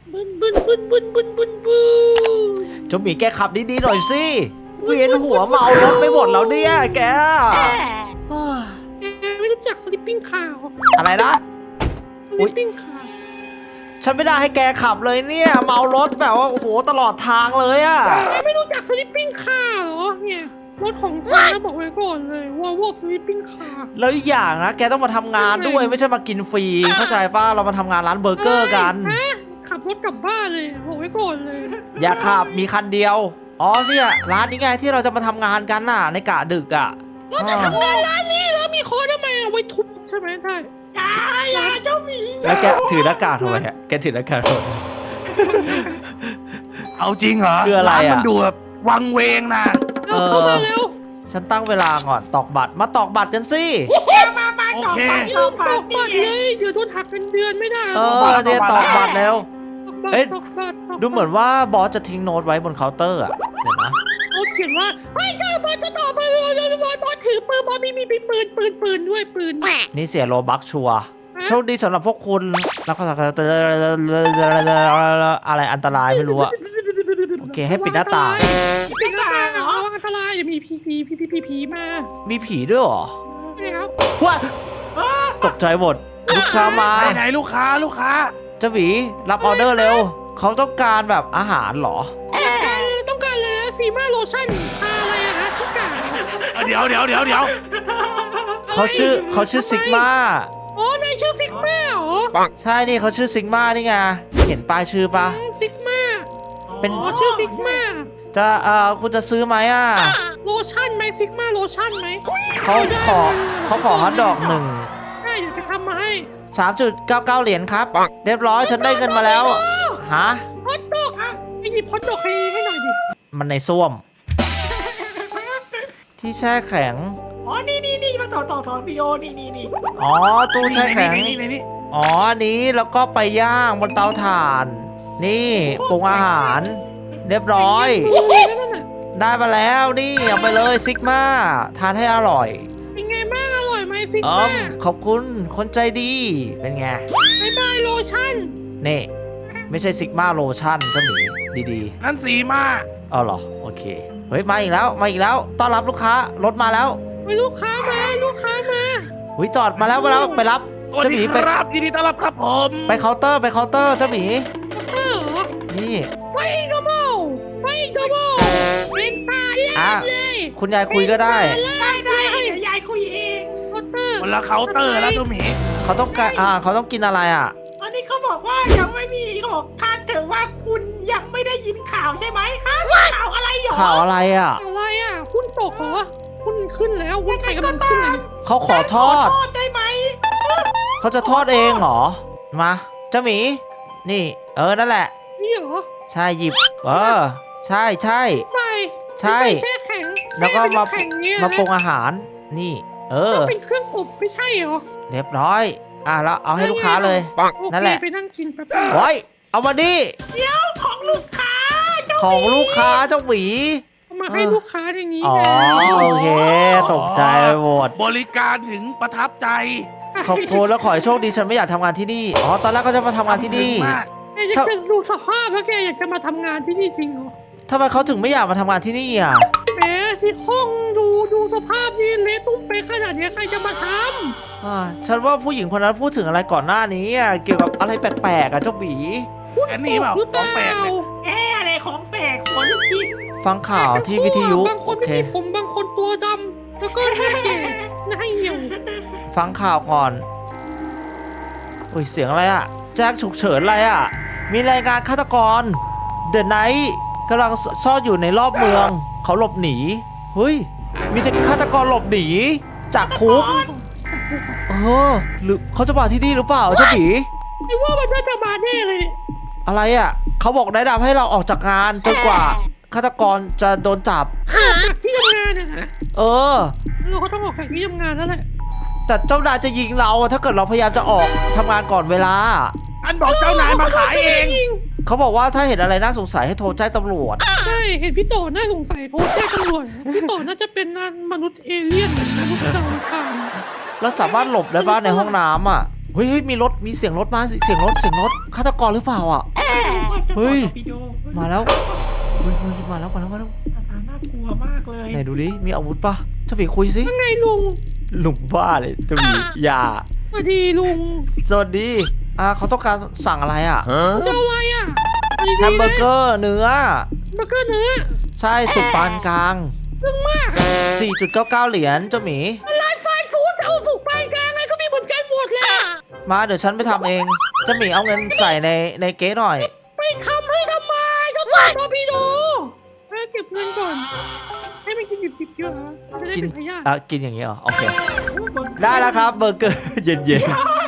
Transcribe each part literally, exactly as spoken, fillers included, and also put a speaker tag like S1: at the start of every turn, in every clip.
S1: บึนบึนบึนบึนบึนบึนบึน
S2: เจ้าหมีแกขับดีๆหน่อยสิเวียนหัวเมารถไปหมดแล้วเนี่ยแก
S1: แกไม่รู้จักสลิปปิ้งคาร์
S2: อะไรนะ
S1: สลิปปิ้งคาร์
S2: ฉันไม่ได้ให้แกขับเลยเนี่ยเมารถแบบว่าโอ้โหตลอดทางเลยอะ
S1: แกไม่รู้จักสลิปปิ้งคาร์เหรอเนี่ยรถของฉันนะบอกไว้ก่อนเลยวอลโว่สลิปปิ้งคาร์
S2: แล้วอีกอย่างนะแกต้องมาทำงานด้วยไม่ใช่มากินฟรีเข้าใจป่ะเรามาทำงานร้านเบอร์เกอร์กัน
S1: ฮะขับรถกลับบ้านเลยบอกไว้ก่อนเลย
S2: อย่าขับมีคันเดียวอ๋อเนี่ยร้านนี้ไงที่เราจะมาทำงานกันน่ะในกะดึกอ่ะ
S1: เราจะทำงานร้านนี้แล้วมีคอทำไมเอาไว้ทุบใช่ไหมใช่อย่าอย่าเจ้าหมี
S2: แล้วแกถือหน้ากากทำไมฮะแกถือหน้ากากทำไม
S3: เอาจริงเหรอ
S2: คืออะไรอะ
S3: านมันดูแบบวังเวงนะ
S1: เอาเข้ามาแล้ว
S2: ฉันตั้งเวลาก่อนตอกบัตรมาตอกบัตรกันสิ
S1: มามา
S3: โอเค
S1: ลืมตอกบัตรเลยเดี๋ยวโดนหักเงินเดือนไม่ได้
S2: เออเนี่ยตอกบัตรแล้ว
S1: ตอกบัตร
S2: เอ๊ะ
S1: ตอกบัตรตกบัตร
S2: ดูเหมือนว่าบอสจะทิ้งโน้ตไว้บนเคาน์เตอร์อ่ะเดี๋ยวนะ
S1: เขาเขียนว่าเฮ้ยเจ้าบอลจะต่อไปบอลบอลบอลถือปืนบอลมีมีมีปืนปืนปืนด้วยปืน
S2: นี่เสียโลบักชัวร์โชคดีสำหรับพวกคุณแล้วก็อะไรอันตรายไม่รู้อะโอเคให้ปิดหน้าต่าง
S1: ปิดหน้าต่างเหรออันตรายเดี๋ยวมีผีผีผีผีผีมา
S2: มีผีด้วยเหรอ
S1: แล้ว
S2: ว้าตกใจหมดลูกค้ามา
S3: ไหนไหนลูกค้าลูกค้า
S2: เจ้าหวีรับออเดอร์เร็วเขาต้องการแบบอาหารเหรอ
S1: ต้องการอะไรนะซีมาโลชั่นทาอะไรอะฮะที่กา
S3: เดี๋ยวเดี๋ยวเดี๋ยวเดี๋ยว
S2: เขาชื่อเขาชื่อซิกมา
S1: อ๋อนายชื่อซิกมาเหรอ
S2: ใช่นี่เขาชื่อซิกมานี่ไงเห็นป้ายชื่อปะ
S1: ซิกมา
S2: เป็น
S1: อ๋อชื่อซิกมา
S2: จะเอ่อคุณจะซื้อไหมอ่ะ
S1: โลชั่นไหมซิกมาโลชั่นไหม
S2: เขาขอเขาขอฮอทดอกหนึ่ง
S1: ใช่เดี๋ยวไปทำมาให้
S2: สามจุดเก้าเก้าเหรียญครับเรียบร้อยฉันได้เงินมาแล้วฮะ
S1: ฮอตดอกอ่ะไปหยิบฮอตดอกให้ให้หน่อยดิ
S2: มันในส้วม ที่แช่แข็ง
S4: อ๋อ นี่นี่นี่มาต่อต่อต่อวิดีโอนี่นี่นี่
S2: อ๋อตู้แช่แข็ง
S3: นี่นี่นี่นี่
S2: อ๋ออันนี้แล้วก็ไปย่างบนเตาถ่าน นี่ปรุงอาหาร เรียบร้อย
S1: นั่นน่ะ
S2: ได้มาแล้วนี่เอาไปเลยซิกมาทานให้อร่อย
S1: เป็นไงบ้างอร่อยไหมซิก
S2: อ๋อ
S1: มา
S2: ขอบคุณคนใจดีเป็นไง
S1: บายบายโลชั่น
S2: นี่ไม่ใช่ซิกมาโลชั่นเจ้าหมีดี
S3: นั่นสีมา
S2: ๆเอาเหรอโอเคเฮ้ยมาอีกแล้วมาอีกแล้วต้อนรับลูกค้ารถมาแล้ว
S1: ไปลูกค้ามาลูกค้ามา
S2: หุยจอดมาแล้วมาแล้วไปรับ
S3: สวัส
S2: เจ้าห
S3: ดี
S2: มี
S3: ค
S2: ไป
S3: รับยินดีต้อนรับครับผม
S2: ไปเคาน์เตอร์ไปเคาน์เตอร์เจ้าหมี
S1: เออเหรอ
S2: นี่
S1: ไฟโดโมไฟโดโมเป็นตาแร
S2: อ่ะ
S1: กเลย
S2: คุณยายคุยก็ได้
S4: ได้ได้เดี๋ยวยายคุยเอง
S1: เคาน์เตอร์
S3: คนละเคาน์เตอร์แล้วตัวหมี
S2: เขาต้องการอ่าเขาต้องกินอะไรอ่ะ
S4: ตอนนี้เขาบอกว่ายังไม่มีเขาบอกคาดเถอะว่าคุณยังไม่ได้ยินข่าวใช่ไหมฮะข่าวอะไรหรอ
S2: ข่าวอะไรอ่ะ
S1: อะไรอ่ะหุ้นตกเหรอหุ้นขึ้นแล้วหุ้นไทยกำลังขึ้นเลย
S2: เขาขอทอด
S4: ขอโทษได้ไหม
S2: เขาจะทอดเองเหรอมาเจ้าหมี นี่ เออนั่นแหละ
S1: นี่เหรอ
S2: ใช่หยิบ เออ ใช่ใช่
S1: ใส่
S2: ใช่
S1: แช่แข็ง
S2: แล้วก็มา
S1: แช่เป็นแข็งเนี่ย
S2: มาปรุงอาหาร นี่ เออ
S1: ต้องเป็นเครื่องอบไม่ใช่เหรอ
S2: เรียบร้อย อ่ะแล้วเอาให้ลูกค้าเลย
S1: โอ
S2: นั่น
S1: เค
S2: แหละ
S1: ไปนั่งกินแป๊บนึง
S2: โอ้ยเอามาดิ
S4: เดี๋ยวของลูกค้าเจ้า
S2: ของลูกค้าเจ้าหมี
S1: เอามาให้ลูกค้าอย่างนี้
S2: อ๋อ
S1: ไง
S2: โอเค ตกใจไปหมด
S3: บริการถึงประทับใจ
S2: ขอบคุณแล้วขอให้โชคดีฉันไม่อยากทำงานที่นี่ อ๋อ ตอนแรกก็จะมาทำงานที่นี่
S3: ถึงมาก
S1: แกอยากจะดูสภาพแล้วแกอยากจะมาทำงานที่นี่จริงเหรอ
S2: ทำไมเขาถึงไม่อยากมาทำงานที่นี่อ่ะ
S1: แหมที่ห้องดูดูสภาพนี่เละตุ้มเป๊ะขนาดนี้ใครจะมาท
S2: อ่าฉันว่าผู้หญิงคนนั้นพูดถึงอะไรก่อนหน้านี้อ่ะเกี่ยวกับอะไรแปลกๆอ่ะเจ้าหมี
S3: อัน
S1: ำ
S3: นี้เปล่า
S1: หรือ
S3: ของแปลกเลย
S4: แอะอะไรของแปลกขนลูกชิ้น
S2: ฟังข่าวที่วิทยุ
S1: บางคน
S2: โอ
S1: ไม่
S2: เค
S1: มีผมบางคนตัวดำแล้วก็หน้าแก่หน้าเหี่ยว
S2: ฟังข่าวก่อนอุ้ยเสียงอะไรอ่ะ แจ้งฉุกเฉินอะไรอ่ะ มีรายงานฆาตกร เดอะไนท์กำลังซ่อนอยู่ในรอบเมือง เขาหลบหนี เฮ้ย มีแต่ฆาตกรหลบหนี จากคุก เออ หรือเขาจะมาที่นี่หรือเปล่าเจ้าหมี
S1: ไอ้ว่ามันน่าจะมาแน่เลยเนี่ย
S2: อะไรอ่ะ เขาบอกแนะนำให้เราออกจากงานจนกว่าฆาตกรจะโดนจับ
S1: ออกจากที่ทำงานนะนะ
S2: เออ
S1: เราก็ต้องออกจากที่ทำงานแล้วแหละ
S2: แต่เจ้านายจะยิงเราอะถ้าเกิดเราพยายามจะออกทำงานก่อนเวลา
S3: อันบอกเจ้านายมาขายเอง
S2: เขาบอกว่าถ้าเห็นอะไรน่าสงสัยให้โทรแจ้งตำรวจ
S1: ใช่เห็นพี่โตน่าสงสัยโทรแจ้งตำรวจพี่โตน่าจะเป็นมนุษย์เอเลี่ยนมนุษย์ดาวอังคาร
S2: แล้วสามารถหลบได้บ้างในห้องน้ำอ่ะ เฮ้ยเฮ้ยมีรถ มีเสียงรถมา เสียงรถ เสียงรถฆาตกรหรือเปล่าอ่ะ
S1: ใช่
S2: เฮ้ย
S4: พี่โด
S2: มาแล้วเฮ้ยเฮ้ยมาแล้วมาแล้วมาแล้ว
S4: หน้าตาน่ากลัวมากเลย
S2: ไหนดูดิมีอาวุธปะเจ้าหมีคุยสิ
S1: ว่าไงลุง
S2: ลุงบ้าเลยเจ้าหมีอย่า
S1: สวัสดีลุง
S2: สวัสดีอ่าเขาต้องการสั่งอะไรอ่ะ
S1: จะเอาอะไรอ่ะสวัสดี
S2: แฮมเบอร์เกอร์เนื้อ
S1: เบอร์เกอร์เนื้อ
S2: ใช่สุกปานกลาง
S1: เรื่องมาก
S2: สี่จุดเก้าเก้า เหรียญเจ้าหมี
S1: ร้านฟาสต์ฟู้ดเอาสุกปานกลางอะไรก็มีเหมือนกันหมดเลยอะ
S2: มาเดี๋ยวฉันไปทำเองเจ้าหมีเอาเงินใส่ในในเก๊หน่อย
S1: ไปทำให้ทำไมก็ต่อตอร์ปิโดให้เก็บเงินก่อนให้มันกินดิบๆเยอะจะได้
S2: กิน
S1: เป็นพยาธิ
S2: อ่ะกินอย่างนี้เหรอโอเคได้แล้วครับเบอร์เกอร์ เย็น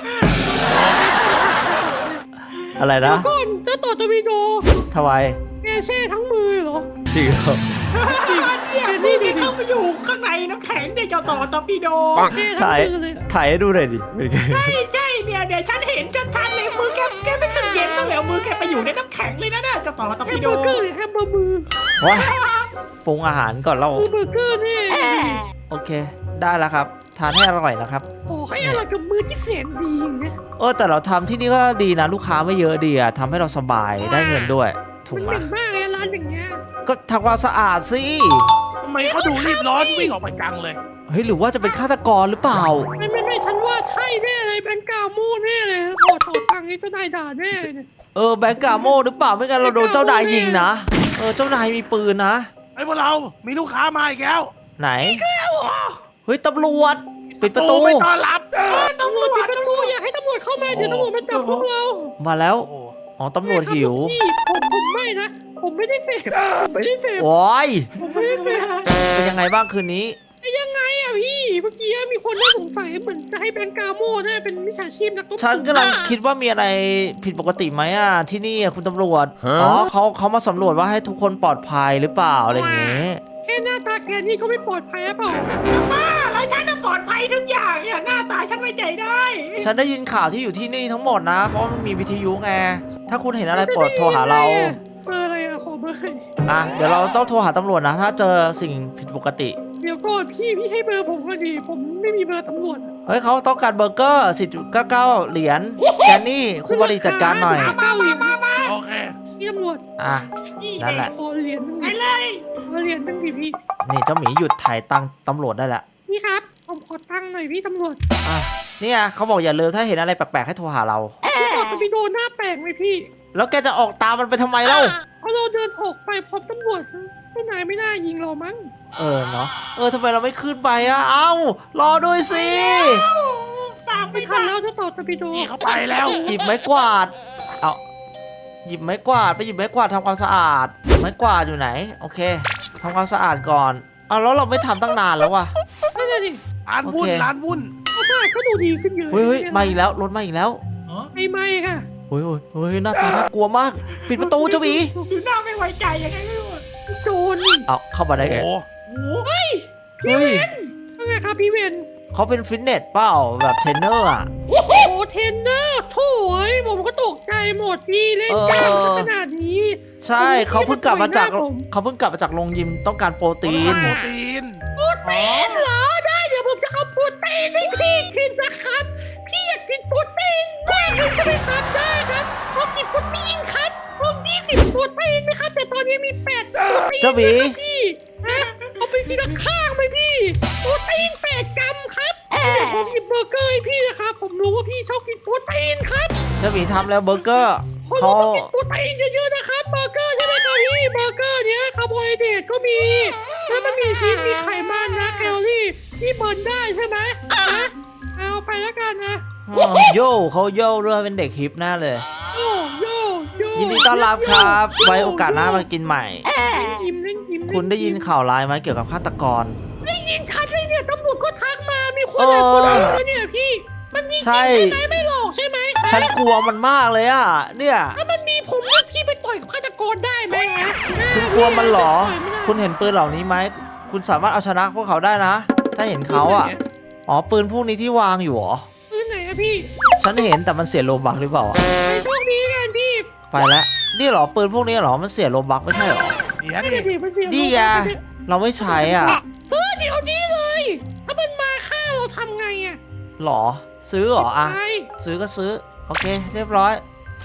S2: ๆอะไร
S1: เดี๋ย
S2: นะ
S1: วก่อนเจ้าต่อตอร์ปิโด
S2: ทำไม
S1: แกแช่ทั้งมือเหรอ
S2: จริงเหรอ
S4: เนี่ยนี่นี่เข้าไปอยู่ข้างในน้ำแข็งเนี่ยเจ้าต่อตอร์ปิโด
S1: แช่ทั้ง
S2: ถ่าย
S1: มือเลยอะ
S2: ถ่ายให้ดูหน่อยดิเป็นไง
S4: ใช่ใช่เนี่ยเดี๋ยวฉันเห็นชัดๆเลยมือแกแกไม่สึกเย็นตั้งแล้วมือแกไปอยู่ในน้ำแข็งเลยนะน่ะเจ้าต่อตอร์
S1: แฮ
S4: ปิ
S1: ม
S4: โด
S1: เบอร์เกอร์หรือแฮมเบอร์มือ
S2: ว้าปรุงอาหารก่อนเรา
S1: มือเบอร์เกอร์นี่
S2: โอเค ได้แล้วครับ ทานให้อร่อยนะครับ
S1: โอ้ให้อร่อยกับมือที่แสนดีนะ
S2: เออแต่เราทำที่นี่ก็ดีนะ ลูกค้าไม่เยอะดีอะทำให้เราสบายได้เงินด้วย ถู
S1: มั
S2: ก
S1: น
S2: ไหม
S1: เหม็นมากเลยร้านอย่างเงี้ย
S2: ก็ทำความสะอาดสิ
S3: ทำไมเขาดูรีบร้อนวิ่งออกไปจังเลย
S2: เฮ้ยหรือว่าจะเป็นฆาตกรหรือเปล่า
S1: ไม่ไม่ไม่ฉันว่าใช่แน่เลยเป็นกาโม่แน่เลยขอต่อตังค์นี้เจ้านายด่าแน่เลยเนี่ย
S2: เออแบงก์กาโมหรือเปล่าไม่งั้นเราโดนเจ้านายยิงนะเออเจ้านายมีปืนนะ
S3: ไอ้พวกเรา มีลูกค้ามาอีกแล้ว
S2: ไหนเฮ้ยตำรวจปิดประตู
S3: ไม่ต้อนรับ
S1: ตำรวจปิดประตูอย่าให้ตำรวจเข้ามาเดี๋ยวตำรวจมาจับพวกเรา
S2: มาแล้ว
S3: โอ้โห
S2: อ๋อตำรวจหิว
S1: พี่ผมผมไม่นะ ผมไม่ได้เสพผมไม่ได้เสพ
S2: โอ้ย
S1: ผมไม่ได้เสพ
S2: เป็นยังไงบ้างคืนนี้
S1: ไอ้ยังไงอะพี่เมื่อกี้มีคนน่าสงสัยเหมือนจะให้แบงก์กาโม่เนี่ยเป็นมิจฉาชีพนักต้ม
S2: ฉันกำลังคิดว่ามีอะไรผิดปกติไหมอ่ะที่นี่อะคุณตำรวจอ๋อเขาเขามาสำรวจว่าให้ทุกคนปลอดภัยหรือเปล่าอะไรอย่างเงี้ย
S1: แค่หน้าตาแกนี่เขาไม่ปลอดภัยหรือเปล่า
S4: บ้าแล้วฉันน่ะปลอดภัยทุกอย่างเนี่ยหน้าตาฉันไว้ใจได้
S2: ฉันได้ยินข่าวที่อยู่ที่นี่ทั้งหมดนะ เพราะมันมีวิทยุไงถ้าคุณเห็นอะไรโปรดโทรหาเรา
S1: เบอร์อะไรอะขอเบอร์
S2: อ่ะเดี๋ยวเราต้องโทรหาตำรวจนะ ถ้าเจอสิ่งผิดปกติ
S1: เดี๋ยวก่อนพี่พี่ให้เบอร์ผมก็ดี ผมไม่มีเบอร์ตำรวจ
S2: เฮ้ยเขาต้องการเบอร์เกอร์ สี่จุดเก้าเก้า เหรียญแกนนี่คุณบริจัดการหน่อย
S1: เก้าเหรียญ
S4: มามา
S3: โอเค
S1: พี่ตำรวจ
S2: อ่ะ
S4: นี่
S2: นั่นแหละ
S1: ขอเหรียญหนึง
S4: ไป
S1: ดิ
S4: เลย
S1: ขอเหรียญหนึงดิพี่
S2: นี่เจ้าหมีหยุดถ่ายตังค์ตำรวจได้แล้ว
S1: พี่ครับ ผมขอตังค์หน่อยพี่ตำรวจ
S2: อ่ะเนี่ยเขาบอกอย่าลืมถ้าเห็นอะไรแปลกๆให้โทรหาเรา
S1: พี่บอกจะไปโดนหน้าแปลกไหมพี่
S2: แล้วแกจะออกตามมันไปทำไมเล่า
S1: เพราะเราเดินออกไปพร้อมตำรวจเจ้านายไม่น่ายิงเรามั้ง
S2: เออเนาะเออทำไมเราไม่ขึ้นไปอ่ะเอ้ารอด้วยสิ
S4: ตามไป
S1: ไม่ทันแล้วจะต่อตะปิโด
S3: นี่เขาไปแล้ว
S2: หยิบไม้กวาดเอาหยิบไม้กวาดไปหยิบไม้กวาดทำความสะอาดไม้กวาดอยู่ไหนโอเคทำความสะอาดก่อนเอาแล้วเราไม่ทำตั้งนานแล้ววะ
S1: นั่นแหละดิ
S3: ร้านวุ่น
S2: โอเค
S3: ร้านวุ่น
S1: ก็ได้ก็ดูดีขึ้นเยอะ
S2: เฮ้ยเฮ้ยมาอีกแล้วรถมาอีกแล้ว
S1: ไม่ไม่ค่ะ
S2: เฮ้ยเฮ้ยเฮ้ยหน้าตาน่ากลัวมาก ปิดประตูเจ้าหมี
S4: ดูหน้าไม่ไว้ใจยังไงไม่รู้
S1: โจรนี่
S2: เอาเข้ามาได้
S3: โอ้
S2: ไง
S3: โห
S4: โอ้โห
S2: เฮ้ย
S1: ว่าไงครับพี่เวน
S2: เขาเป็นฟิตเนสเปล่าแบบเทรนเนอร์อ่ะ
S1: โอ้เทรนเนอร์โถ่เอ้ยผมก็ตกใจหมดพี่เล่นกล้ามขนาดนี้
S2: ใช่เขาเพิ่งกลับมาจาก
S1: ผม
S2: เขาเพิ่งกลับมาจากโรงยิมต้องการโปรตีน
S3: โปรตีน
S1: โปรตีนเหรอได้เดี๋ยวผมจะเอาโปรตีนให้พี่กินนะครับ พี่อยากกินโปรตีนมากเลยใช่ไหมครับได้ครับเอากินโปรตีนครับเอายี่สิบโปรตีนนะครับแต่ตอนนี้มีแปดโปรตีน
S2: เจ้าหมี
S1: นะครับพี่ฮะเอาไปทีละข้างไหมพี่โปรตีนแปดกรัมครับเดี๋ยวผมหยิบเบอร์เกอร์ให้พี่นะครับผมรู้ว่าพี่ชอบกินโปรตีนครับ
S2: เจ้าหมีทำแล้วเบอร์เกอร์
S1: คน
S2: เขา
S1: เราต้องกินโปรตีนเยอะๆนะครับเบอร์เกอร์ใช่ไหมครับพี่เบอร์เกอร์เนี้ยคาร์โบไฮเดรตก็มีแล้วมันมีชีสมีไขมันนะแคลอรี่ที่เบิร์นได้ใช่ไหมนะเอาไปแล้วกันนะ
S2: อ๋อโย่เขาโย่ด้วยเป็นเด็กฮิปหน้าเลย
S1: โยโยโย
S2: ยินดีต้อนรับครับ ไว้โอกาสหน้ามากินใหม่
S1: ยิ้มเล่นยิ้ม
S2: คุณได้ยินข่าวร้ายไหมเกี่ยวกับฆาตกร
S1: ได้ยินชัดเลยเนี่ยตำรวจก็ทักมามีคนหลายคนเลยนะเนี่ยพี่มันมีจริง
S2: ใช่
S1: ใช่ไหมไม่หลอกใช่ไหม
S2: ฉันกลัวมันมากเลยอ่ะ เนี่ย
S1: ถ้ามันมีผมเลือกพี่ไปต่อยกับฆาตกรได้ไหมฮะ
S2: คุณกลัวมันเหรอ
S1: ต่ยไม่ได้
S2: คุณเห็นปืนเหล่านี้ไหม คุณสามารถเอาชนะพวกเขาได้นะ ถ้าเห็นเขาอ่ะ อ๋อ ปืนพวกนี้ที่วางอยู่เหรอ
S1: ปืนไหนอะพี่
S2: ฉันเห็นแต่มันเสียโลบักหรือเปล่าอะ
S1: ไปโชคดีกันพี่
S2: ไปแล้ว นี่เหรอ ปืนพวกนี้เหรอ มันเสียโลบักไม่ใช่เหรอ
S3: เดี๋ยว
S1: ไม่
S3: ดิ
S1: ได้ดิมันเสีย
S2: นี่ไง เราไม่ใช้อ่ะ
S1: ซื้อเดี๋ยวนี้เลย ถ้ามันมาฆ่าเราทำไงอะ
S2: หรอ ซื้อเหรออ่ะ
S1: ไป
S2: ซื้อก็ซื้อ โอเค เรียบร้อย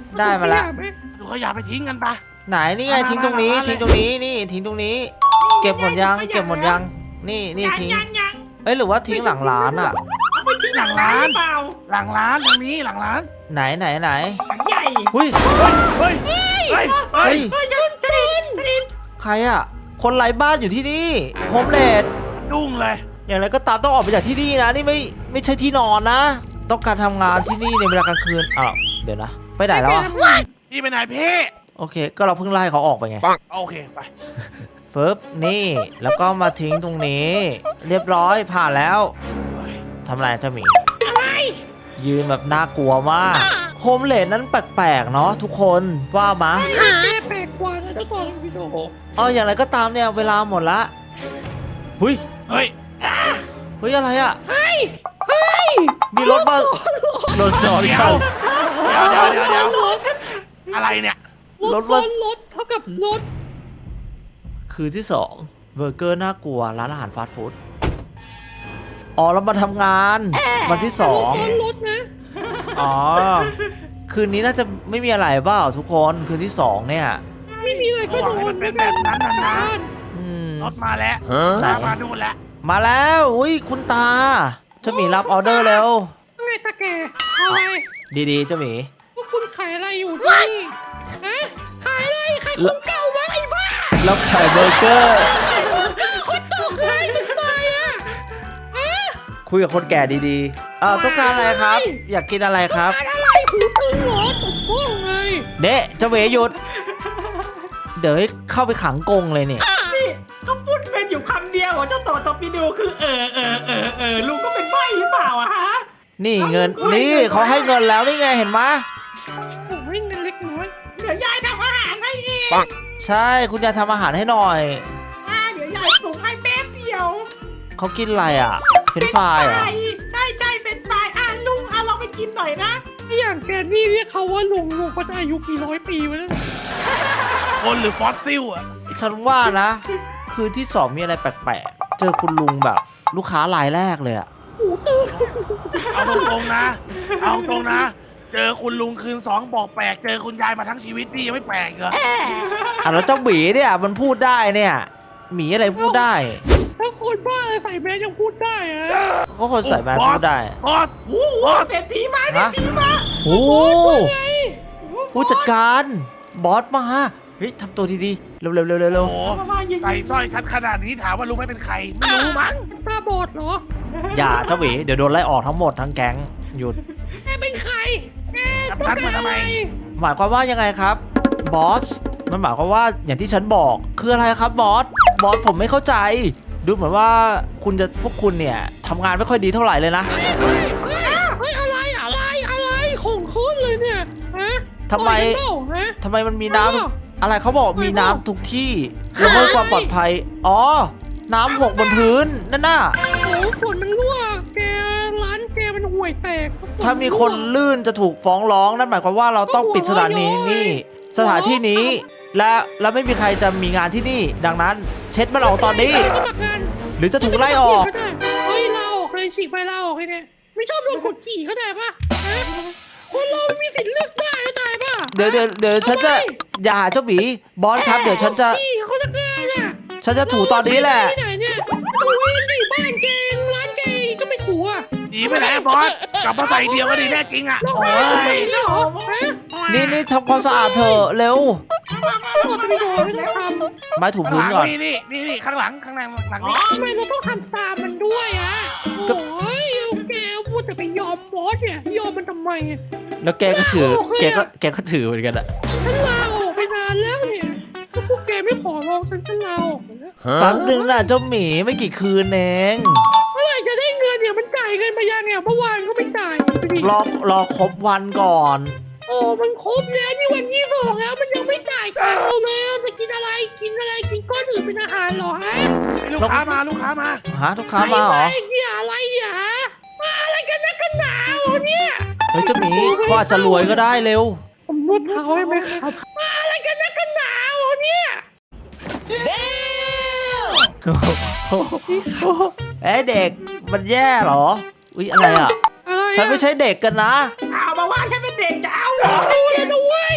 S2: ได้มาแล้ว
S1: ขยะไห
S3: ดูขยะไปทิ้งกันปะ
S2: ไหนนี่ไง
S3: มา
S2: ทิ้งตรงนี้
S3: มามา
S2: ทิ้งตรงนี้นี่ทิ้งตรงนี้ เก็บหมดยังเก็บหมดยังนี่นี่
S4: ยัง
S2: ทิ้ง
S4: ยังยัง
S2: เอ้ยหรือว่าทิ้งหลังร้านอ่ะ
S4: เอาไปทิ้งหลังร้านหรือเปล่า
S3: หลังร้านตรงนี้หลังร้าน
S2: ไหนไหนไหน
S4: หลังใหญ่
S2: หุ้ย
S3: เฮ้ยเฮ้ยเฮ้ย
S2: เฮ้ย
S4: เฮ้ยจะจะดินจะดิน
S2: ใครอ่ะคนไร้บ้านอยู่ที่นี่โฮมเลด
S3: ดุ้งเลย
S2: อย่างไรก็ตามต้องออกไปจากที่นี่นะนี่ไม่ไม่ใช่ที่นอนนะ ต้องการทำงานที่นี่ในเวลากลางคืนอ้าวเดี๋ยวนะไปไหนแล้วอ่ะ
S3: พี่ไปไหนพี่
S2: โอเค ก็เราเพิ่งไล่เขาออกไปไง
S3: โอเคไป
S2: ฟึบนี่แล้วก็มาทิ้งตรงนี้ เรียบร้อยผ่านแล้วทำอะไรเจ้าหมี
S1: อะไร
S2: ยืนแบบน่ากลัวมากโฮมเลดนั้นแปลกๆเนาะทุกคนว่ามา
S1: หาแปลกกว่านะเจ้าตัวพี่โด
S2: เอออย่างไรก็ตามเนี่ยเวลาหมดละหุย
S3: เฮ้ย
S2: เฮ้ยอะไรอ่ะ
S1: เฮ้ยเฮ้ย
S2: มีรถมารถสอน
S3: เดี๋ย
S2: กั
S3: วน เดี๋ยวเดี๋ยวเดี๋ยวเดี๋ยวอะไรเนี่ย
S1: ร
S2: ร
S1: ถ
S2: ถ
S1: ร
S2: ว่า
S1: ถรถเท่ากับรถ
S2: คืนที่สองเบอร์เกอร์น่ากลัวร้านอาหารฟาสต์ฟู้ดอ๋อเรามาทำงานวันที่สอง
S1: รถรถนะ
S2: อ๋อคืนนี้น่าจะไม่มีอะไรเปล่าทุกคนคืนที่สองเนี่ย
S1: ไม่มีอะไรก็โด
S3: ให้มัน
S1: น
S3: เป็นแบบนั้นนะนะ
S2: อืม
S3: รถมาแล้ว
S2: ไหน
S3: มามาดูแล้ว
S2: มาแล้วอุ้ยคุณตาเจ้าหมีรับออเดอร์เร็ว
S1: ว่าไงตาแกอะไร
S2: ดีๆเจ้าหมี
S1: พวกคุณขายอะไรอยู่ที่นี่ฮะขายอะไรขายของเก่าวะไอ้บ้า
S2: แล้วขายเบอร์เกอร์
S1: ขายของเก่าคนตกเลยสงสัยอ่ะฮะ
S2: คุยกับคนแก่ดีๆเออต้องการอะไรครับ อยากกินอะไรครับ
S1: ขายอะไรหูตึงเหรอตบบ้องเลย
S2: เด๊ะเจ้าเหวหยุด เดี๋ยวให้เข้าไปขังกรงเลยเนี่ย
S4: นี่เขาพูดเป็นอยู่คำเดียวอ่ะเจ้าต่อตอปิโดคือเออเออเออเออลุงก็เป็นใบ้หรือเปล่าอะฮะ
S2: นี่เงินนี่เขาให้เงินแล้วนี่ไงเห็นไหม
S1: โอ้ยเงินเล็กน้อย
S4: เดี๋ยวยายทำอาหารให้เอง
S2: ใช่คุณยายทำอาหารให้หน่อย
S4: อ่าเดี๋ยวยายปรุงให้แป๊บเดียว
S2: เขากินอะไรอ่ะเฟรนช์ฟรายเหรอ
S4: ใช่ใช่เป็นไฟอ่ะลุงเอาลองไปกินหน่อยนะ
S1: อย่างแกนี่เรียกเขาว่าลุงลุงเขาจะอายุกี่ร้อยปีวะเนี่ย
S3: คนหรือฟอสซิลอ่ะ
S2: ฉันว่านะ คืนที่สองมีอะไรแปลกๆ เจอคุณลุงแบบ ลูกค้ารายแรกเลยอะ
S1: หูตื่น
S3: เอาตรงๆนะ เอาตรงนะ เจอคุณลุงคืนสองบอกแปลก เจอคุณยายมาทั้งชีวิตพี่ยังไม่แปลกเหรอ
S2: อ่ะแล้วเจ้าหมีเนี่ยมันพูดได้เนี่ยหมีอะไรพูดได้
S1: ถ้าคนบ้าใส่แมสยังพูดได้อะ
S2: ก็คนใส่แมสพูดได้
S3: บอส
S4: โอ้โห
S3: บอส
S4: เศรษฐีมาเศรษ
S2: ฮะ
S4: ฐีมา
S2: โอ้
S1: ไง
S2: ผู้จัดการบอสมาเฮ้ยทำตัวดีๆเร็วๆเร็วๆเร็ว
S3: โอ้โห
S4: เอามายิง
S3: ใส่สร้อยชัดขนาดนี้ถามว่ารู้ไหมเป็นใคร ไม่รู้มั้ง
S1: ตาบอดเหรอ
S2: ๆอย่าเจ้าหมีเดี๋ยวโดนไล่ออกทั้งหมดทั้งแก๊งหยุด
S1: แกเป็นใครแก
S3: จับฉันมาทำไม
S2: หมายความว่ายังไงครับบอสมันหมายความว่าอย่างที่ฉันบอกคืออะไรครับบอสบอสผมไม่เข้าใจ ดูเหมือนว่าคุณจะพวกคุณเนี่ยทำงานไม่ค่อยดีเท่าไหร่เลยนะ
S1: เฮ้ยเฮ้ยเฮ้ยเฮ้ยอะไรอะไรอะไรของขึ้นเลยเนี่ยฮะ
S2: ทำไม
S1: ปล่อยกันเปล่าฮะ
S2: ทำไมมันมีน้ำ
S1: ไม่หรอก
S2: อะไรเขาบอกมีน้ำทุกที่แล้วเพื่อความปลอดภัยอ๋อน้ำหกบนพื้นนั่นน่ะ
S1: โอ้ฝนมันรั่วแกร้านแกมันห่วยแตกฝ
S2: ถ้ามีคนลื่นจะถูกฟ้องร้องนั่นหมายความว่าเราต้องปิดสถานีนี่สถานที่นี้ และและไม่มีใครจะมีงานที่นี่ ดังนั้น เช็ดมันออกตอนนี้
S1: สมัครงาน
S2: หรือจะถูกไล่ออก
S1: เฮ้ยลาออกเลยฉีกไปลาออกเลยเนี่ยไม่ชอบโดนกดขี่เข้าใจปะฮะคนเราไม่มีสิทธิ์เลือกได้เข้าใจปะ
S2: เดี๋ยวเดี๋ยวเดี๋ยวฉันจะอย่าหาเจ้าหมีบอสครับเดี๋ยวฉันจะ
S1: ขี่เขาจะแก้เนี่ย
S2: ฉันจะถูตอนนี้แหละ
S1: ที่ไหนเนี่ยถูเองดิบ้านเกงร้านเกงก็ไม่ถูอ่ะ
S3: หนีไปไหนอะบอส กลับมาใส่เดียวก็ดีแน่จริงอ่ะ
S1: เรา
S3: โอ้
S1: ไม่
S3: ย
S1: ได้เหรอฮะ
S2: นี่นี่ทำความสะอาดเถอะเร็ว
S4: มามา
S1: ตรว
S4: มา
S1: จไปโดนไม่ต้องทำ
S2: ไม้ถู
S3: ข้าง
S2: พื้
S3: ห
S2: น
S3: ลัง
S2: ก่อน
S3: นี่นี่นี่นี่ข้างหลังข้างหลังหลัง
S4: อ๋อ
S3: นี่
S1: ทำไมเราต้องทำตามมันด้วยอ่ะโอ้ยแกพูดแต่ไปยอมบอสเนี่ยยอมมันทำไม
S2: แล้วแกก็ถือแกก็แกก็ถือเหมือนกันอะ
S1: ฉันลาออกไปนานแล้วเนี่ยถ้าพวกแกไม่ขอร้องฉันฉันลาออกไปแล้ว
S2: แป๊บนึงน่ะเจ้าหมีไม่กี่คืนเอง
S1: เมื่อไหร่จะได้เงินเนี่ยมันจ่ายเงินมายังเนี่ยเมื่อวานก็ไม่จ่ายไปดิ
S2: รอรอครบวันก่อน
S1: โอ้มันครบแล้วนี่วันที่สองแล้วมันยังไม่จ่ายตังค์เราเลยจะกินอะไรกินอะไรกินก้อนอื่นเป็นอาหารเหรอฮะ
S3: ลูกค้ามาลูกค้ามา
S2: หาลูกค้ามาเหรอ
S1: ไเหี้ยอะไรอย่ามาอะไรกันนักกันหนาวเนี่ย
S2: เฮ้ยเจ้าหมีเขาอาจจะรวยก็ได้เร็ว
S1: ผมนวดเท้าให้ไหมครับมาอะไรกันนักกันหนาวเนี่ย
S2: เอ้ยเด็กมันแย่เหรออุ๊ยอะไรอ่ะ
S1: อะไรอะ
S2: ฉันไม่ใช่เด็กกันนะ
S4: เอามาว่าฉันเป็นเด็กจะเอาเหรอ
S1: ดูเลยนะเว้ย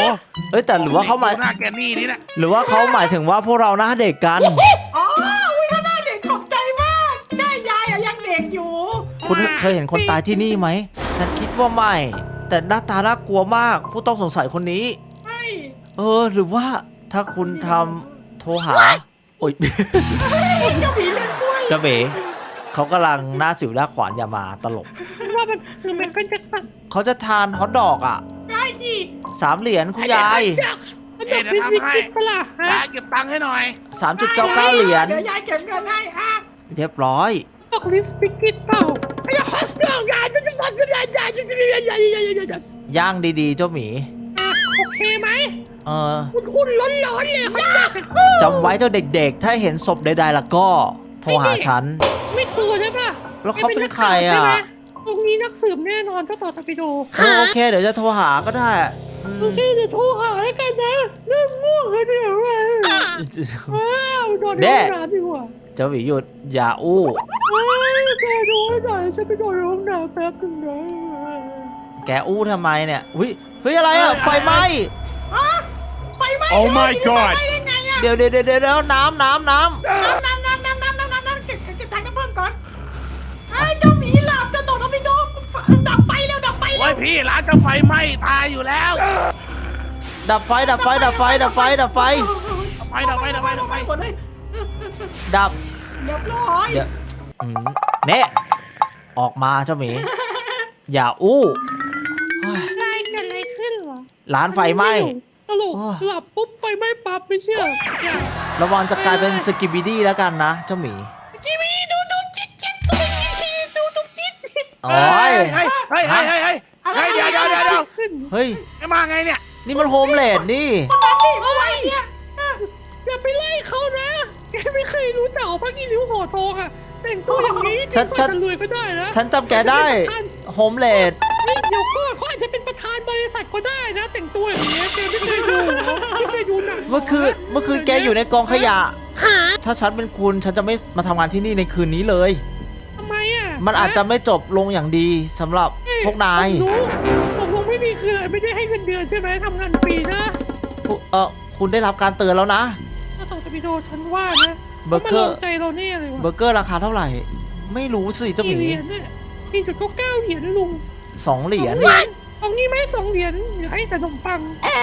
S2: เอ้ยแต่หรือว่าเขาหมาย
S3: ดูหน้าแกนี่นี่นะ
S2: หรือว่าเขาหมายถึงว่าพวกเราหน้าเด็กกัน
S4: อ๋ออุ้ยถ้าหน้าเด็กขอบใจมากใช่ยายอะยังเด็กอยู่
S2: คุณเคยเห็นคนตายที่นี่ไหมฉันคิดว่าไม่ แต่หน้าตาน่ากลัวมาก ผู้ต้องสงสัยคนนี้
S4: ใช่
S2: เออ หรือว่าถ้าคุณทำโทรหา โอ๊ย
S4: เจ้าหมีเล่นกล้วย
S2: เจ้าเบ๋เขากำลังหน้าสิวหน้าขวานอย่ามาตลก
S1: ว่ามันคือไมเคิลแจ็คสัน
S2: เขาจะทานฮอทดอกอ่ะ
S4: ได้สิ
S2: สามเหรียญคุณยาย
S1: อยากอยากพิซิกิตปะล่ะฮะ
S3: ยายเก็บตังค์ให้หน่อย
S2: สามจุดเก้าเก้าเหรียญ
S4: เดี๋ยวยายเก็บเงินให้อ่ะ
S2: เรียบร้อย
S1: บอกลิสปิกิตเปล่าไอ้ฮอสเตอร์ยายจะจะมาจะยายยายจะจะยายยายยายยาย
S2: ย่างดีๆ เจ้าหมี
S1: โอเคไหม
S2: เออ
S1: คุณคุณร้อนๆเลยเขาอยาก
S2: จำไว้เจ้าเด็กๆ ถ้าเห็นศพใดๆ แล้วก็ โทรหาฉัน
S1: ไม่โทรใช่ปะ
S2: แล้วเขาเป็นใครอ่ะ
S1: ตรงนี้นักสืบแน่นอนเจ้าต่อตะปิโด
S2: เออโอเค เดี๋ยวจะโทรหาก็ได้อืม
S1: โอเคเดี๋ยวโทรหาแล้วกันนะเริ่มง่วงแล้วเนี่ยว้าวนอนในห้องน้ำดีกว่า
S2: เจ้าหมีหยุด อย่าอู้
S1: เฮ้ยแกดูให้หน่อยฉันไปนอนในห้องน้ำแป๊บนึงนะ
S2: แกอู้ทำไมเนี่ยอุ้ยเฮ้ยอะไรอ่ะ ไฟไหม้
S4: ฮะไฟไหม้
S3: Oh my
S4: ไฟ
S3: god
S4: ไหม้ได้ไงอะ
S2: เดี๋ยวเดี๋ยวเดี๋ยวเดี๋ยวน้ำน้ำน้
S4: น้ำน้ำน้ำน้ำน้ำน้ำน้ำน้ำเก็บเก็บทางน้ำเพิ่มก่อนไอ้เจ้าหมีหลับเจะตกเอาไปโดนดับไฟเร็วดับไฟ
S3: โอ้
S4: เร็
S3: ยว พี่ร้านจะไฟไหม้ตายอยู่แล้ว
S2: ำดับไฟ ดับไฟ ดับไฟ ดับไฟ ดับไฟ
S3: ไฟดับไฟดับไฟดับไฟ
S4: หมดเลย
S2: ดับ
S4: เรียบร้อย
S2: เดี๋ยวอืมเน่ออกมาเจ้าหมี อย่าอู้เฮ้ย
S1: อะไรเกิดอะไรขึ้นเหรอ
S2: ร้านไฟไหม้
S1: ตลกหลับปุ๊บไฟไหม้ปั๊บไม่เชื่ออย่า
S2: ระวังจะกลายเป็นสกิบิดี้แล้วกันนะเจ้าหมี
S1: กีวีดูดูจิ๊ดจิ๊ดดูดูดูจิ๊ด
S2: โอ้ย
S3: เฮ้ยเฮ้ยเฮ้ยเฮ้ยเฮ้ยเฮ้ยเดี๋ยวเดี๋ยวเดี๋ยวเดี๋ยว
S1: ขึ้น
S2: เฮ้ย
S3: ไอ้มาไงเนี่ย
S2: นี่มันโฮมเลดนี่
S4: นั่นนี่เมื่อไหร่เนี่ย
S1: อย่าไปไล่เขานะแกไม่เคยรู้จักพักอีนิ้วห่อทองอ่ะแต่งตัวอย่างนี้
S2: ฉันฉัน
S1: จะรวยก็ได้นะ
S2: ฉันจำแกได้โฮมเลด
S1: นี่เดี๋ยวก่อนเขาอาจจะเป็นประธานบริษัทก็ได้นะ แต่งตัวอย่างนี้แกไม่เคยดูเหรอไม่เคยดูหนัง
S2: เมื่อคืนเมื่อคืนแกอยู่ในกองขยะ ถ้าฉันเป็นคุณฉันจะไม่มาทำงานที่นี่ในคืนนี้เลย
S1: ทำไมอ่ะ
S2: มันอาจจะไม่จบลงอย่างดีสำหรับพวกนาย
S1: ผมรู้ผมคงไม่มีคืออะไรไม่ได้ให้เงินเดือนใช่ไหมทำงานฟรีนะ
S2: พวกเออคุณได้รับการเตือนแล้วนะ
S1: ถ้าต่อจะไปโดนฉันว่านะ
S2: เบอร์เกอร์
S1: ขามาลงใจเราแน่เลย
S2: เบอ
S1: ว่ะ
S2: ร์เกอร์ราคาเท่าไหร่ ไม่รู้สิเจ้าห
S1: กี่
S2: มี
S1: เหรียญเนี่ยสี่จุดเก้าเก้าเหรียญนะลุง
S2: สองเหรียญ
S1: สองเอางี้ไหมสองเหรียญเดี๋ยวให้แต่ขนมปัง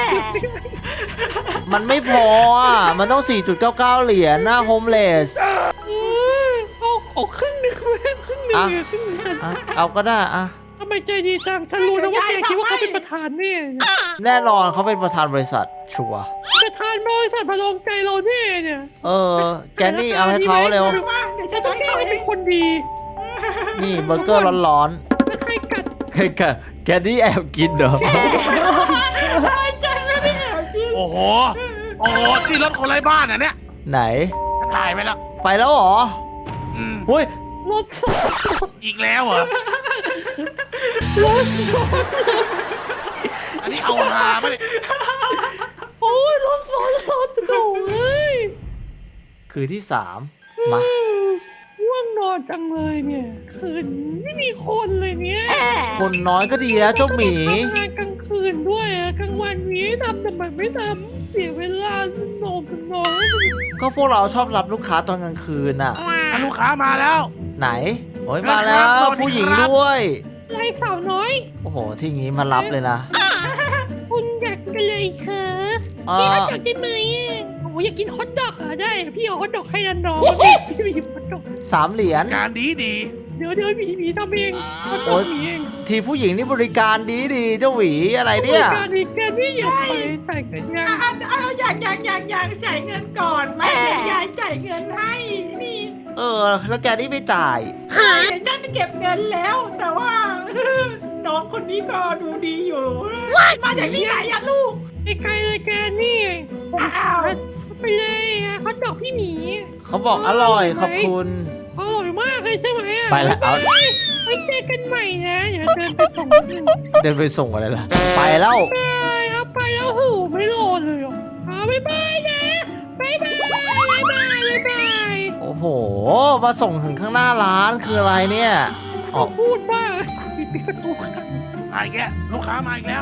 S2: มันไม่พออ่ะ มันต้อง สี่จุดเก้าเก้า เหรียญนะโฮมเลส
S1: เออเอาขอครึ่งหนึ่งไหมครึ่งหนึ่ง
S2: อ่ะ
S1: เนี่ยครึ่งหนึ่งฉัน
S2: อ่ะเอาก็ได้อ่ะ
S1: ทำไมใจดีจังฉันรู้นะว่าแกคิดว่าเขาเป็นประธานแน่เนี่ย
S2: แน่นอนเขาเป็นประธานบริษัทชัวร์
S1: ประธานบริษัทมาลงใจเราแน่เนี่ย
S2: เออ แกนี่เอาให้เขาเร็ว
S4: มาเดี๋ยวฉั
S1: ฉั
S4: น
S1: น
S4: จะ
S1: ต้อง
S4: ให้
S1: แกล้ง
S4: เขา
S1: ให้เป็นคนดี
S2: นี่เบอร์เกอร์ร้อน
S1: ถ้าใครกัด
S2: ๆแกแกแกนี่แอบกินเหรอ
S4: ฉันไม่ได้แอบกิน
S3: โอ้โห โอ้โหที่รถคนไร้บ้านอ่ะเนี่ย
S2: ไหน
S3: ถ่ายไปแล้ว
S2: ไปแล้วเหรอ
S3: อืม
S2: หุ้ย
S1: รถสด
S3: อีกแล้วเหรอ
S1: รถสด
S3: อันนี้เอาฮาปะเนี่ย
S1: โอ้ยรถสดรถโถ่เอ้ย
S2: คือที่สามมา
S1: ว่างนอนจังเลยเนี่ยคืนไม่มีคนเลยเนี่ย
S2: คนน้อยก็ดีแล้วเจ้าหมี
S1: ทำงานกลางคืนด้วยอะกลางวันนี้ทำแต่มันไม่ทำเสียเวลานอนกันนอน
S2: ก็พวกเราชอบรับลูกค้าตอนกลางคืนน่ะ
S3: อ่ะลูกค้ามาแล้ว
S2: ไหน โอ้ยมาแล้ว
S3: สวัสดีครับ
S2: ผู้หญิงด้วย
S1: ไรสาวน้อย
S2: โอ้โห ที่งี้มารับเลยนะ
S1: คุณอยากกินอะไรคะ
S2: เอ่อ
S1: พี่ฮอทดอกได้ไหมอะโอ้อยากกินฮอทดอกเหรอได้ พี่เอาฮอทดอกให้อันน้องพี่ไปหยิบฮอทดอก
S2: สามเหรียญ
S3: การดีดี
S1: เดี๋ยวเดี๋ยวหมีหมีทำเองฮอทด
S2: โอ๊
S1: อก
S2: ย
S1: หมีเอง
S2: ทีผู้หญิงนี่บริการดีดีๆเจ้าหวีอะไรเนี่ย
S1: บริการอีกแกนี่อยากไปแต่งกันยัง
S4: อ่ะอ่ะอ่ะอยากอยากอยากอยากจ่ายเงินก่อนมาเดี๋ยวยายจ่ายเงินให้นี่
S2: เออ แล้วแกนี่ไม่จ่าย
S4: เดี๋ยวฉันเก็บเงินแล้ว แต่ว่า น้องคนนี้ก็ดูดีอยู่ มาจากที่ไหนอะลูก
S1: ไกลๆเลยแกนี่ผม
S4: อ้าว
S1: ไปเลยอะฮอทดอกพี่หมี
S2: เขาบอกอร่อยขอบคุณ
S1: อร่อยมากเลยใช่ไหมอะ
S2: ไปแล้วเอา
S1: ไว้เจอกันใหม่นะเดี๋ยวเดินไปส่งกัน
S2: เดินไปส่งอะไรล่ะ ไปแล้ว
S1: ไปเอาไปแล้วโหไม่รอเลยอ่ะเอาบ๊ายบายนะบ๊ายบายบ๊ายบายบ๊ายบาย
S2: โอ้โห มาส่งถึงข้างหน้าร้านคืออะไรเนี่ย ออก
S1: พูดบ้างปิดประตูค่ะ
S3: ๆมาอีกแล้วลูกค้ามาอีกแล้ว
S1: ไป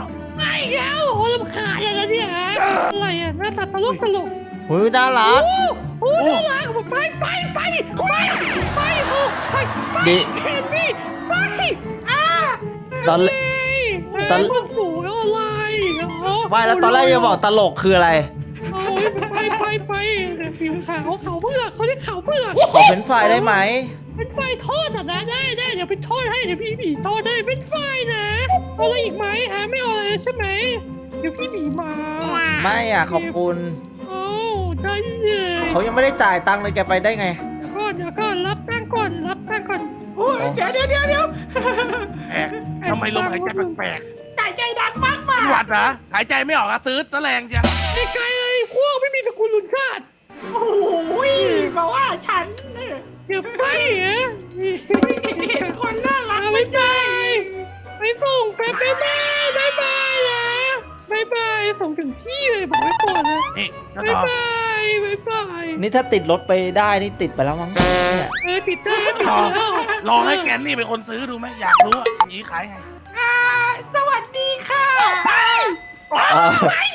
S1: ไม่แล้วโอ้ลำคาญอะไรเนี่ยฮะอะไรอ่ะหน้าตาตลกตลก
S2: เฮ้ยน่ารัก
S1: โอ้โอ้น่ารักไปไปไปไปไปโอ้ไปไป
S2: ดิ
S1: แคนดี้ไปอ่า
S2: ตอน ตอน
S1: พวกสูงอะไร
S2: ไม่แล้วตอนแรกยังบอกตลกคืออะไร
S1: โอ้ยไปไปไปผิวขาวเขาเปลือกเขาเรียกขาวเปลือก
S2: ขอเป็นไฟล์ได้ไหม
S1: เป็นไฟทอดอ่ะนะได้ได้เดี๋ยวไปทอดให้เดี๋ยวพี่หมีทอดได้เป็นไฟนะเอาอะไรอีกไหมฮะไม่เอาอะไรใช่ไหมเดี๋ยวพี่หมีมา
S2: ไม่อ่ะขอบคุณ
S1: โอ้ได้เลย
S2: เขายังไม่ได้จ่ายตังค์เลยแกไปได้ไง
S1: เดี๋ยวก่อนเดี๋ยวก่อนรับตังค์ก่อนรับตังค์ก่อน
S4: โอ้ยเดี๋ยวเดี๋ยวเดี๋ยวเดี๋ยว
S3: แปลกทำไมลมหายใจแปลก
S4: สายใจดังมาก
S3: ๆ
S4: มา
S3: เป็นหวัดเหรอหายใจไม่ออกอะซื้อตะแรงจ้ะ
S1: ไอ้ไกลเลยพวกไม่มีตระกูลลุนชาติ
S4: โอ้ยบอกว่าฉันเนี่ย
S1: เดี๋ยวไปเหรอ
S4: เห็นคนน่ารัก
S1: เอาไม่ไปไปส่งไปไปไปบายบายนะบายบายส่งถึงที่เลยบอกไว้ก่อนนะ
S3: นี่เจ้า
S1: บาย
S3: ต่อบ
S1: ายบายบาย
S2: นี่ถ้าติดรถไปได้นี่ติดไปแล้วมั้งเนี่ย
S1: เออติดได้ติด
S3: ต่อ
S1: แล้ว
S3: ลองให้แกนนี่เป็นคนซื้อดูไหมอยากรู้อ่ะหยีขายไง
S4: อ่าสวัสดีค่ะไป
S2: อ่า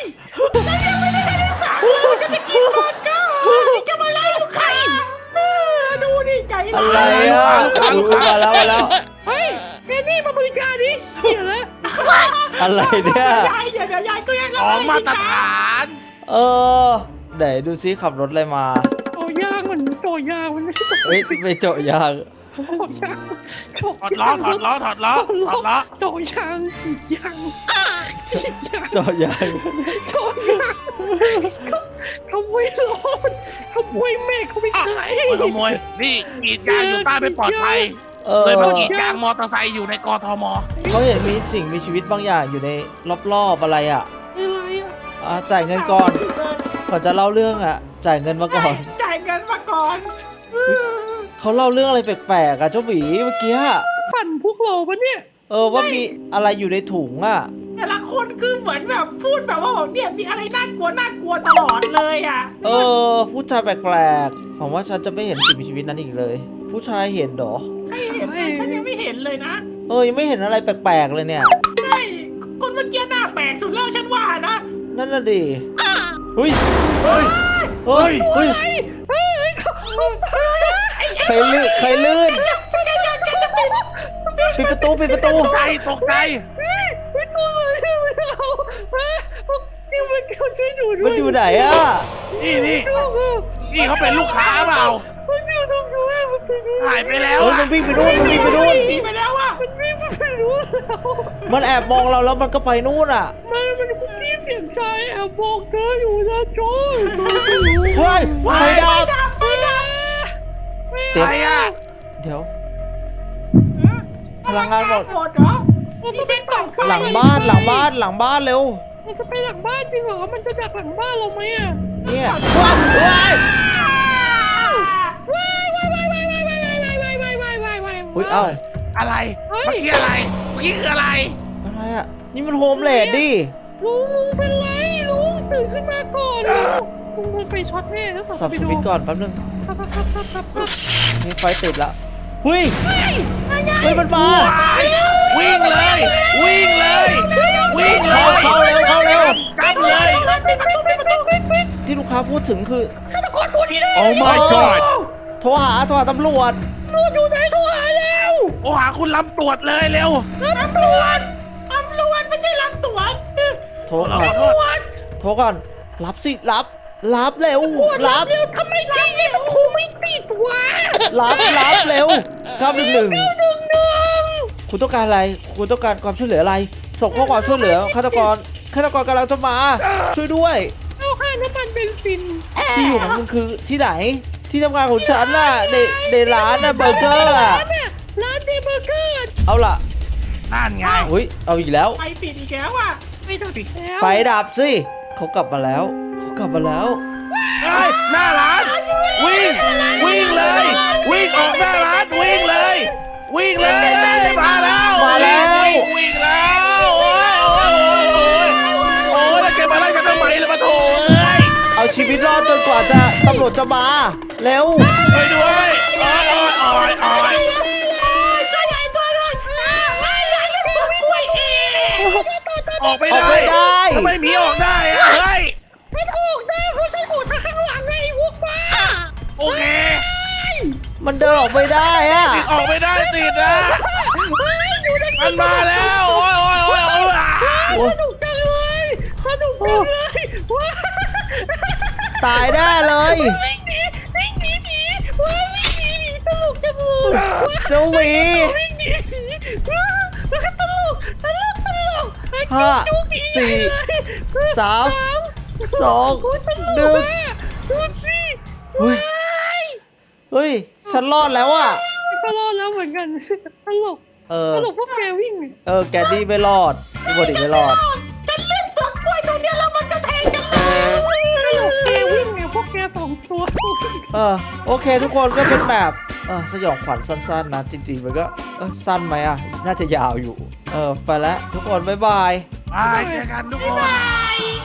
S4: จะไปกินบอร์เกอร์จะมาไล่ลูกค้าเออดูดิใจ
S2: อะ
S4: ร้า
S2: ไร
S4: ย
S2: อ่ะอุ๊ยมาแล้วมาแล้ว
S1: เฮ้ยแกนี่มาบริการดิเหี้ยแล้ว
S2: อะไรเนี่ย
S4: ยายเดี๋ยวเดี๋ยวยายก็ยัง
S3: ของมาตรฐาน
S2: เออไหนดูซิขับรถอะไรมา
S1: โตยางมันโตยางมันไม่ใช่โต
S2: เฮ้ยไปเจาะยาง
S1: ยาง
S3: ถอดล้อถอดล้อถอดล้อถอดล้อ
S1: โตยางจีดยางจีดยาง
S2: เจาะยาง
S1: โตยางขโมยรถขโมยแม่เขาไปขาย
S3: โอ้ยขโมยนี่กรีดยางอยู่ใต้ไม่ปลอดภัย
S2: เออ
S3: เลยมากรีดยางมอเตอร์ไซค์อยู่ในกทม
S2: เขาเห็นมีสิ่งมีชีวิตบางอย่างอยู่ในรอบๆอะไรอ่ะ
S1: อะไรอ่ะ
S2: อ่ะจ่ายเงินก่อนก่อนจะเล่าเรื่องอ่ะ จ่ายเงินมาก่อน
S4: จ่ายเงินมาก่อน
S2: เขาเล่าเรื่องอะไรแปลกๆอ่ะเจ้าหวีเมื่อกี้อะ
S1: ปั่นพวกเราปะเนี่ย
S2: เออว่ามีอะไรอยู่ในถุงอ่ะ
S4: แต่ละคนคือเหมือนแบบพูดแบบว่าเนี่ยมีอะไรน่ากลัวน่ากลัวตลอดเลยอ่ะ
S2: เออ ผู้ชายแปลกๆผมว่าฉันจะไม่เห็นสิ่งมีชีวิตนั้นอีกเลย ผู้ชายเห็นเหรอ
S4: ใครเห็นนะฉันยังไม่เห็นเลยนะ
S2: เออยังไม่เห็นอะไรแปลกๆเลยเนี่ย
S4: ใช่คนเมื่อกี้หน้าแปลกสุดแล้วฉันว่านะ
S2: นั่นน่ะดิเฮ้ย
S3: เฮ้ย
S2: เฮ้ยเฮ้ย
S1: เฮ้ยเฮ้ยเขา
S2: ใครลื่นใครลื่น
S4: แกจะแกจะเป็น
S2: ปิดประตูปิดประตู
S3: ตกใจตกใจ
S1: ไม่ตัวเลยไม่เอาจริงมันเขาช่วยหนูด้วย
S2: มันอยู่ไหนอ่ะ
S3: นี่นี่นี่เขาเป็นลูกค้าเปล่า
S1: มันอยู่ตรงนู้นมันไปนู้น
S3: หายไปแล้ว
S2: เฮ้ย
S3: อะ
S2: มันวิ่งไปนู่นมันวิ่งไปนู่น
S4: หนีไปแล้วอ่ะ
S1: มันวิ่งไปนู้นแล้ว
S2: มันแอบมองเราแล้วมันก็ไปนู่นอ่ะ
S1: มันมันคุกกี้เสียงใจแอบบอกเธออยู่นะโจ้ย
S2: เฮ้ยไฟดับ
S4: ดับไฟดับ
S2: เดี๋ยว
S3: ใครอะ
S2: เดี๋ยว พลังงานหมด
S4: หมดเหรอมีเส้นกล่องไฟ
S2: หลังบ้านหลังบ้านหลังบ้านเร็ว
S1: มันจะไปหลังบ้านจริงเหรอมันจะดักหลังบ้านเราไหมอ่ะ
S2: เนี่ยว้าวว้าย
S1: ว้ายว้ายว้ายว้ายว้ายว้ายว้ายว้ายว้ายว้ายว้ายว้าย
S2: อุ้ยเอ้า
S3: อะไร
S1: เฮ้ย
S3: เมื่อกี้อะไรเมื่อกี้คืออะไร
S2: อะไรอ่ะนี่มันโฮมเลดดิ
S1: ลุงลุงเป็นไรลุงตื่นขึ้นมาก่อนลุงลุงมันไปช็อตแน่แล้ว
S2: สับสวิตช์ก่อนแป๊บนึง
S1: ครับครับครับครับครับ
S2: มีไฟติดแล้วเฮ้ย
S1: เฮ้ย
S2: เฮ้ยมันมา
S3: วิ่งเลย วิ่งเลย วิ่งเลย
S2: เข้าเร็วเข้าเร็ว
S3: กลับเลย
S1: ปิดประตูปิดประตูปิดปิด
S2: ที่ลูกค้าพูดถึงคือ
S1: ฆาตกรตัวนี้เลย
S2: Oh my god โทรหาโทรหาตำรวจ
S1: ตำรวจอยู่ไหนโทรหาแล้ว
S3: โอ้หาคุณลำตรวจเลยเร็ว
S1: ตำรวจ
S4: ตำรวจไม่ใช่รับตรวจ
S2: โทรก่อน
S1: ตำรวจ
S2: โทรก่อนรับสิรับ รับเร็ว รับ
S1: เร็วทำไมใจเย็นครูไม่ติดวะ
S2: รับรับเร็วเก้าหนึ่งหนึ่ง
S1: หนึ่งหนึ่ง
S2: คุณต้องการอะไร คุณต้องการความช่วยเหลืออะไร ส่งข้อความช่วยเหลือฆาตกรฆาตกรกำลังจะมา ช่วยด้วย
S1: เอาค่าน้ำมันเบนซิน
S2: ที่อยู่ของคุณคือที่ไหน ที่ทำงานของฉันน่ะในในร้านน่ะเบอร์เกอร์อะ
S1: ร้านเนี่ยร้านเดเบอร์เกอร์
S2: เอาล่ะ
S3: นั่นไง
S2: อุ้ยเอาอีกแล้ว
S4: ไฟปิดอีกแล้วอ่ะ
S1: ไม่ต้องปิดแล้ว
S2: ไฟดับสิเขากลับมาแล้วเขากลับมาแล้ว
S3: เฮ้ยหน้าร้าน วิ่ง วิ่งเลย วิ่งออกหน้าร้าน วิ่งเลย วิ่งเลย มาแล้ว
S2: มาแล้ว
S3: วิ่งวิ่งแล้ว โอ้ยโอ้ยโอ้ยโอ้ยโอ้ยแล้วแกมาไล่ฉันทำไมล่ะมาโถเอ้ย
S2: เอาชีวิตรอดจนกว่าจะตำรวจจะมาเร็ว
S3: ช่วยด้วยโอ้ยโอ้ยโอ้ยโอ้ย
S1: ช่วยหน่อยช่วยหน่อยไม่อยากให้ผมกล้วยเอง
S3: โอ้ออกไม่
S2: ออก
S3: ได้
S2: ไม่ได้
S3: ทำไมหมีออกได้อะเฮ้ย
S1: ไม่ถูกได้เพราะฉันถูกทางข้างหลังไงไอ้พวกบ้า
S3: โอเค
S2: มันเดินออกไม่ได้อะ
S3: ติดออกไม่ได้ติดนะ
S1: เฮ้ยอยู่ใน
S3: มันมาแล้วโอ้ยโอ้ยโอ้ยโอ้ยอ่ะ
S2: โอ้
S1: สนุกจังเลยสนุกจังเลยว้า
S2: ตายแน่เลย
S1: วิ่งหนีวิ่งหนีผีว้าวิ่งหนีผีตลกจังเลยว้า
S2: เจ้าหวี
S1: วิ่งหนีผีว้าตลกตลกตลกไอ้
S2: ห้า
S1: ดูผีใหญ่
S2: สี่
S1: เลย
S2: สามสอง
S1: โอ้ยตล
S2: หนึ่
S1: ก
S2: ง
S1: อะดูสิ
S2: เฮ้ย
S1: ว้าย
S2: เฮ้ย ฉันรอดแล้วอะ
S1: ก็รอดแล้วเหมือนกันตลก
S2: เออ
S1: ตลกพวกแกวิ่งเนี่ย
S2: เออ แกดดี้ไม่รอดพี่บอดี้ไม่รอด
S4: ฉันเล่นฝักกล้วยตรงเนี้ยแล้วมันก็แทงกันเลย
S1: ตลกแกวิ่งเนี่ยพวกแกสองตัว
S2: เออ โอเคทุกคนก็เป็นแบบเออสยองขวัญสั้นๆนะ จริงๆ มันก็เออสั้นไหมอะน่าจะยาวอยู่ เออ ไปแล้วทุกคน บ๊ายบาย
S3: ไปเจอกันทุกคน
S4: บาย